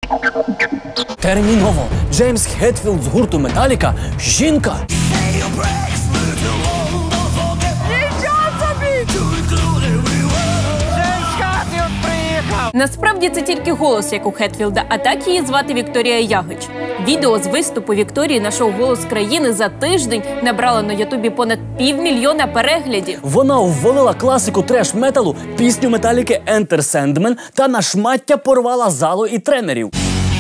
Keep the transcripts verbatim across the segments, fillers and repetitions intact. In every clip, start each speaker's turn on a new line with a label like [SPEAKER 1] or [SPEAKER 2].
[SPEAKER 1] Терміново! Джеймс Хетфілд з гурту Металіка – жінка!
[SPEAKER 2] Насправді це тільки голос, як у Хетфілда, а так її звати Вікторія Ягич. Відео з виступу Вікторії на шоу «Голос країни» за тиждень набрало на Ютубі понад півмільйона переглядів.
[SPEAKER 1] Вона ввалила класику треш-металу, пісню Металіки «Enter Sandman» та на шмаття порвала залу і тренерів.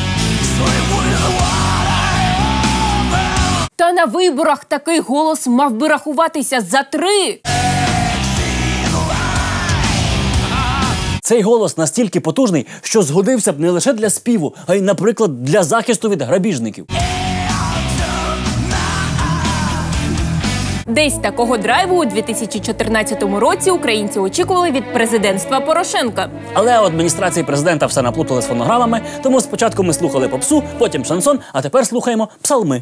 [SPEAKER 2] Та на виборах такий голос мав би рахуватися за три.
[SPEAKER 1] Цей голос настільки потужний, що згодився б не лише для співу, а й, наприклад, для захисту від грабіжників.
[SPEAKER 2] Десь такого драйву у дві тисячі чотирнадцятому році українці очікували від президентства Порошенка.
[SPEAKER 1] Але у адміністрації президента все наплутали з фонограмами, тому спочатку ми слухали попсу, потім шансон, а тепер слухаємо псалми.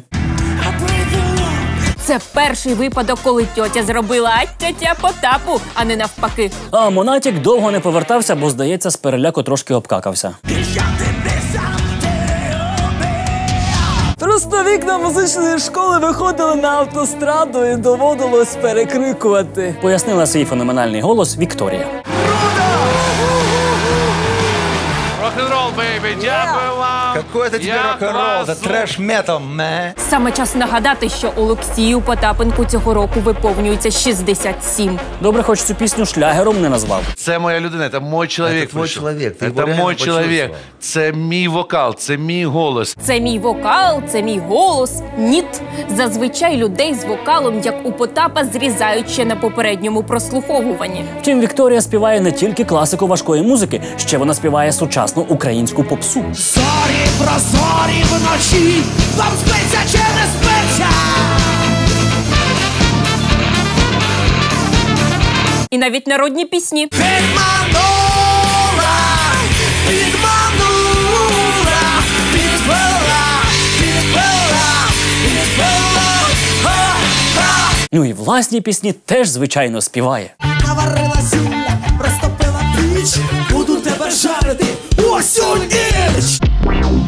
[SPEAKER 2] Це перший випадок, коли тьотя зробила ать-тя-тя Потапу, а не навпаки.
[SPEAKER 1] А Монатік довго не повертався, бо, здається, з переляку трошки обкакався. Просто вікна музичної школи виходили на автостраду і доводилось перекрикувати. Пояснила свій феноменальний голос Вікторія.
[SPEAKER 3] Рок-н-рол, бейбі, дякую вам!
[SPEAKER 4] Какой это тебе рок-н-ролл? Это трэш-метал, мэ.
[SPEAKER 2] Саме час нагадати, що Олексію Потапенку цього року виповнюється шістдесят сім.
[SPEAKER 1] Добре, хоч цю пісню шлягером не назвав.
[SPEAKER 3] Це моя людина, це мій чоловік.
[SPEAKER 4] Це твій чоловік, ти його
[SPEAKER 3] Це
[SPEAKER 4] реально
[SPEAKER 3] мій чоловік.
[SPEAKER 4] почувствував.
[SPEAKER 3] Це мій вокал, це мій голос.
[SPEAKER 2] Це мій вокал, це мій голос. Ніт. Зазвичай людей з вокалом, як у Потапа, зрізають ще на попередньому прослуховуванні.
[SPEAKER 1] Втім, Вікторія співає не тільки класику важкої музики, ще вона співає сучасну українську попсу.
[SPEAKER 5] Зорі, прозорі вночі, вам спиться чи не спиться?
[SPEAKER 2] І навіть народні пісні.
[SPEAKER 5] Підманула, підманула, підвела, підвела, підвела, ха-ха.
[SPEAKER 1] Ну і власні пісні теж, звичайно, співає.
[SPEAKER 5] Наварила зілля, розтопила піч, буду тебе жарити усю ніч.